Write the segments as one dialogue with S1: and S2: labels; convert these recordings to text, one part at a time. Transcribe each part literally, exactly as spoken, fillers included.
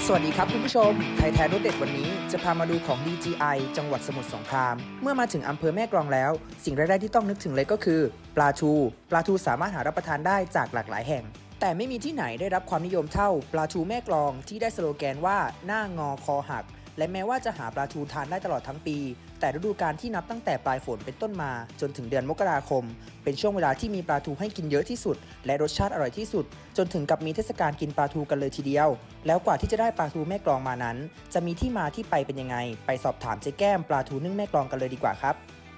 S1: สวัสดีครับคุณผู้ชมไทยแท้รสเด็ดวันนี้จะพามาดูของ ดี จี ไอ จังหวัดสมุทรสงครามเมื่อมาถึงอำเภอแม่กลองแล้วสิ่งแรกๆที่ต้องนึกถึงเลยก็คือปลาทูปลาทูสามารถหารับประทานได้จากหลากหลายแห่งแต่ไม่มีที่ไหนได้รับความนิยมเท่าปลาทูแม่กลองที่ได้สโลแกนว่าหน้างอคอหักและแม้ว่าจะหาปลาทูทานได้ตลอดทั้งปีแต่ฤดูกาลที่นับตั้งแต่ปลายฝนเป็นต้นมาจนถึงเดือนมกราคมเป็นช่วงเวลาที่มีปลาทูให้กินเยอะที่สุดและรสชาติอร่อยที่สุดจนถึงกับมีเทศกาลกินปลาทูกันเลยทีเดียวแล้วกว่าที่จะได้ปลาทูแม่กลองมานั้นจะมีที่มาที่ไปเป็นยังไงไปสอบถามเจ๊แก้มปลาทูนึ่งแม่กลองกันเลยดีกว่าครับ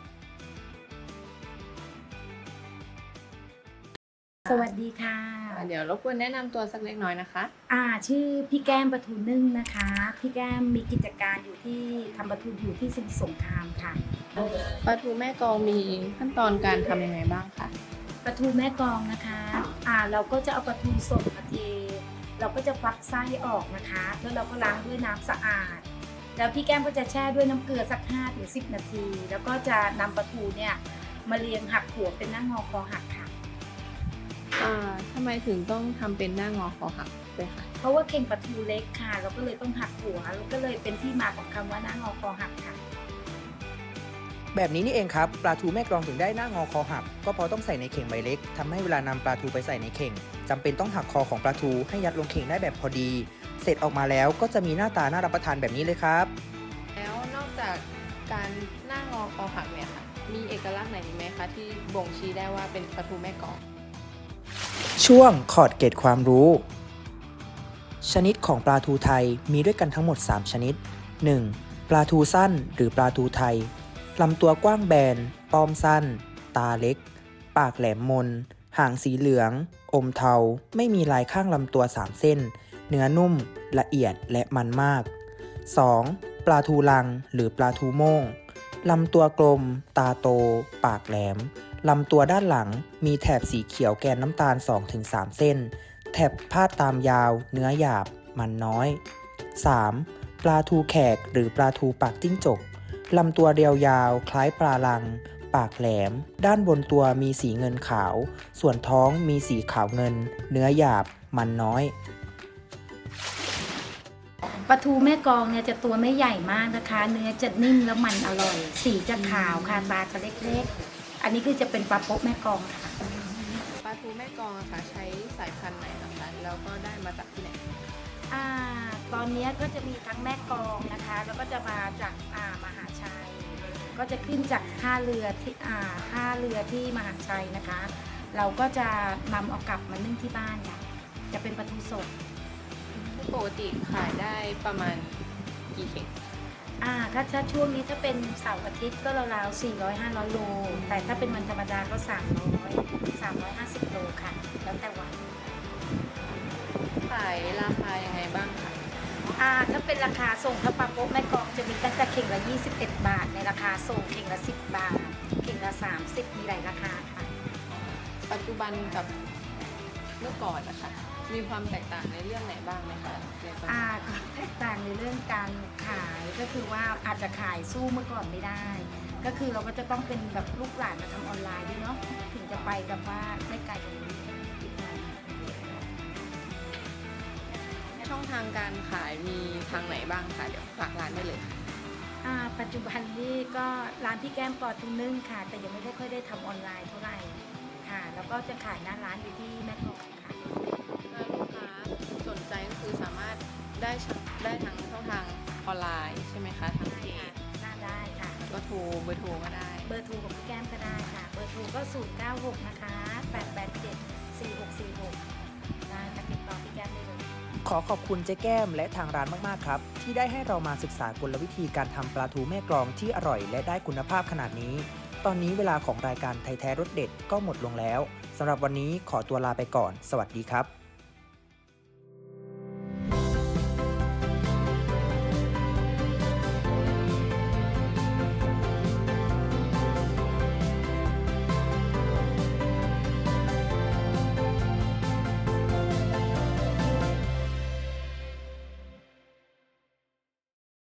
S2: สวัสดีค่ะ
S3: เดี๋ยวรบกวนแนะนำตัวสักเล็กน้อยนะคะ
S2: อ่าชื่อพี่แก้มปลาทูนึ่งนะคะพี่แก้มมีกิจการอยู่ที่ทำปลาทูอยู่ที่สมุทรสงครามค่ะ
S3: ปลาทูแม่กลองมีขั้นตอนการทำยังไงบ้างคะ
S2: ปลาทูแม่กลองนะคะอ่าเราก็จะเอาปลาทูสดมาเทเราก็จะฟักไส้ออกนะคะแล้วเราก็ล้างด้วยน้ำสะอาดแล้วพี่แก้มก็จะแช่ด้วยน้ำเกลือสัก ห้าถึงสิบ นาทีแล้วก็จะนำปลาทูเนี่ยมาเรียงหักหัวเป็นหน้างอคอหักค่ะ
S3: อ่าทำไมถึงต้องทำเป็นหน้างอคอหักด้วยคะ
S2: เพราะว่าเข่งปลาทูเล็กค่ะเราก็เลยต้องหักหัวแล้วก็เลยเป็นที่มาของคำว่าหน้างอคอหักค่ะ
S1: แบบนี้นี่เองครับปลาทูแม่กลองถึงได้หน้างอคอหักก็เพราะต้องใส่ในเข่งใบเล็กทำให้เวลานำปลาทูไปใส่ในเข่งจำเป็นต้องหักคอของปลาทูให้ยัดลงเข่งได้แบบพอดีเสร็จออกมาแล้วก็จะมีหน้าตาน่ารับประทานแบบนี้เลยครับ
S3: แล้วนอกจากการหน้างอคอหักเนี่ยค่ะมีเอกลักษณ์ไหนไหมคะที่บ่งชี้ได้ว่าเป็นปลาทูแม่กลอง
S1: ช่วงขอดเกร็ดความรู้ชนิดของปลาทูไทยมีด้วยกันทั้งหมดสามชนิด หนึ่ง. ปลาทูสั้นหรือปลาทูไทยลำตัวกว้างแบนป้อมสั้นตาเล็กปากแหลมมนหางสีเหลืองอมเทาไม่มีลายข้างลำตัวสามเส้นเนื้อนุ่มละเอียดและมันมาก สอง. ปลาทูลังหรือปลาทูโม่งลำตัวกลมตาโตปากแหลมลำตัวด้านหลังมีแถบสีเขียวแกนน้ำตาล สองถึงสาม เส้นแถบพาดตามยาวเนื้อหยาบมันน้อย สาม. ปลาทูแขกหรือปลาทูปากจิ้งจกลำตัวเรียวยาวคล้ายปลาลังปากแหลมด้านบนตัวมีสีเงินขาวส่วนท้องมีสีขาวเงินเนื้อหยาบมันน้อย
S2: ปลาทูแม่กลองเนี่ยจะตัวไม่ใหญ่มากนะคะเนื้อจะนิ่มแล้วมันอร่อยสีจะขาวค่ะตาจะเล็กๆอันนี้คือจะเป็นปลาโป๊ะแม่กลองค่ะ
S3: ปลาทูแม่กลองอะค่ะใช้สายพันธุ์ไหนนะคะแล้วก็ได้มาจากที่ไหน
S2: อ่าตอนนี้ก็จะมีทั้งแม่กลองนะคะแล้วก็จะมาจากอ่ามหาชัยก็จะขึ้นจากท่าเรือที่อ่าท่าเรือที่มหาชัยนะคะเราก็จะนำเอากลับมานึ่งที่บ้านค่ะจะเป็นปลาทูสด
S3: ปกติขายได้ประมาณกี่เข่ง
S2: อ่าถ้าถ้าช่วงนี้ถ้าเป็นเสาร์อาทิตย์ก็ราวๆสี่ร้อย ห้าร้อยโลแต่ถ้าเป็นวันธรรมดาก็สามร้อย สามร้อยห้าสิบโลค่ะแล้วแต่วัน
S3: ขายราคายังไงบ้างคะ
S2: อ่าถ้าเป็นราคาส่งถ้าปลาโป๊ะแม่กลองจะมีตั้งแต่เข่งละยี่สิบเอ็ดบาทในราคาส่งเข่งละสิบบาทเข่งละสามสิบมีหลายราคาค่ะ
S3: ปัจจุบันกับเมื่อก่อนนะคะมีความแตกต่างในเรื่องไหนบ้างไหมคะ
S2: อ่าแตกต่างในเรื่องการขายก็คือว่าอาจจะขายสู้เมื่อก่อนไม่ได้ก็คือเราก็จะต้องเป็นแบบลูกหลานมาทำออนไลน์ด้วยเนาะถึงจะไปแบบว่าไม่ไกลกว่านี้
S3: ช่องทางการขายมีทางไหนบ้างคะเดี๋ยวฝากร้านได้เลย
S2: อ่าปัจจุบันนี้ก็ร้านพี่แก้มปอทุ่งนึ่งค่ะแต่ยังไม่ได้ค่อยได้ทำออนไลน์เท่าไหร่ค่ะแล้วก็จะขายหน้าร้านอยู่ที่แม่กลองค่ะ
S3: ถ้าลูกค้าสนใจก็คือสามารถได้ได้ทั้งช่องทางออนไลน์ใช่ไหมคะทั้งเพจ
S2: น่าได้ค่ะ
S3: ก็โทรเบอร์โทรก็ได้
S2: เบอร์โทรของพี่แก้มก็ได้ค่ะเบอร์โทรก็ศูนย์ เก้า หกนะคะแปด แปด เจ็ด สี่ หก สี่ หกได้ค่ะติดต่อพี่แก้มได้เลย
S1: ขอขอบคุณเจ๊แก้มและทางร้านมากๆครับที่ได้ให้เรามาศึกษากลวิธีการทำปลาทูแม่กลองที่อร่อยและได้คุณภาพขนาดนี้ตอนนี้เวลาของรายการไทยแท้รสเด็ดก็หมดลงแล้วสำหรับวันนี้ขอตัวลาไปก่อนสวัสดีครับ